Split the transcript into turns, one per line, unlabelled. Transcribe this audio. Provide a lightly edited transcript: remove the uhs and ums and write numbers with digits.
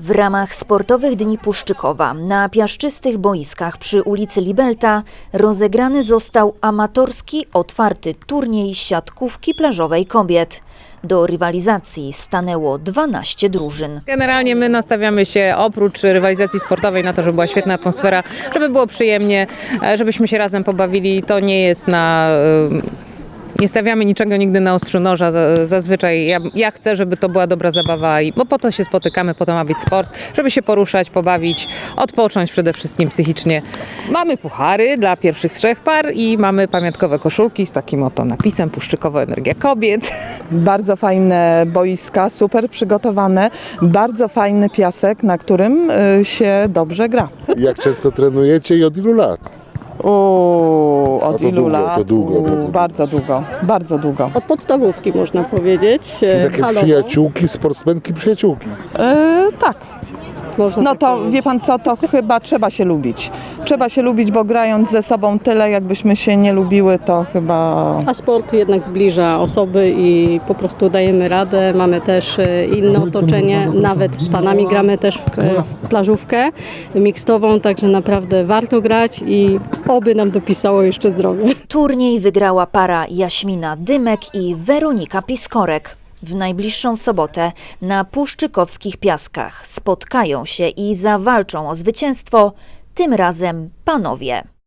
W ramach Sportowych Dni Puszczykowa na piaszczystych boiskach przy ulicy Libelta rozegrany został amatorski, otwarty turniej siatkówki plażowej kobiet. Do rywalizacji stanęło 12 drużyn.
Generalnie my nastawiamy się oprócz rywalizacji sportowej na to, żeby była świetna atmosfera, żeby było przyjemnie, żebyśmy się razem pobawili. To nie jest nie stawiamy niczego nigdy na ostrzu noża. Zazwyczaj ja chcę, żeby to była dobra zabawa, bo po to się spotykamy, po to ma być sport, żeby się poruszać, pobawić, odpocząć przede wszystkim psychicznie. Mamy puchary dla pierwszych 3 par i mamy pamiątkowe koszulki z takim oto napisem Puszczykowa Energia Kobiet.
Bardzo fajne boiska, super przygotowane, bardzo fajny piasek, na którym się dobrze gra.
Jak często trenujecie i od ilu lat?
Od ilu
długo,
lat?
to długo.
Bardzo długo, bardzo długo.
Od podstawówki można powiedzieć.
Czyli takie
halowo.
przyjaciółki, sportsmenki, przyjaciółki.
Tak.
Można
No
tak
to
powiedzieć.
wie pan co, to chyba trzeba się lubić. Trzeba się lubić, bo grając ze sobą tyle, jakbyśmy się nie lubiły, to chyba...
A sport jednak zbliża osoby i po prostu dajemy radę. Mamy też inne otoczenie, nawet z panami gramy też w plażówkę mixtową, także naprawdę warto grać i oby nam dopisało jeszcze zdrowie.
Turniej wygrała para Jaśmina Dymek i Weronika Piskorek. W najbliższą sobotę na puszczykowskich piaskach spotkają się i zawalczą o zwycięstwo, tym razem panowie.